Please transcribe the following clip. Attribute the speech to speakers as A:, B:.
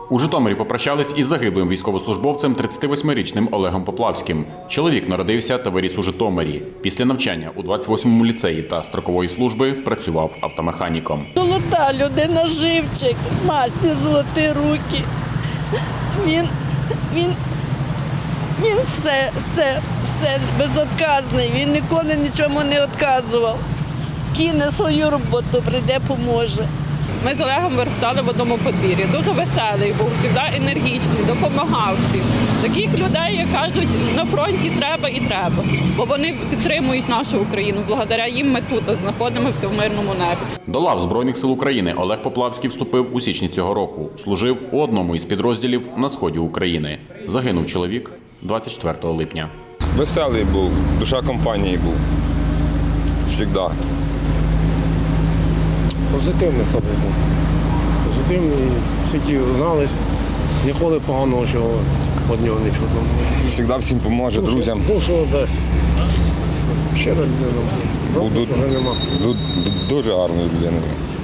A: У Житомирі попрощались із загиблим військовослужбовцем 38-річним Олегом Поплавським. Чоловік народився та виріс у Житомирі. Після навчання у 28-му ліцеї та строкової служби працював автомеханіком.
B: Золота людина, живчик, масні золоті руки. Він все безотказний, він ніколи нічому не відказував. Кине свою роботу, прийде, поможе.
C: Ми з Олегом виростали в одному подвір'ї. Дуже веселий був, завжди енергічний, допомагав всім. Таких людей, як кажуть, на фронті треба і треба, бо вони підтримують нашу Україну. Благодаря їм ми тут знаходимося в мирному небі.
A: До лав Збройних сил України Олег Поплавський вступив у січні цього року. Служив у одному із підрозділів на сході України. Загинув чоловік 24 липня.
D: Веселий був, душа компанії був. Всегда.
E: Позитивний хлопець був. Позитивний, всі знались, ніколи поганого чого від нього не чутно.
D: Всегда всім поможе, друзям.
E: Душу дасть. Щира людина.
D: Був дуже гарною людиною.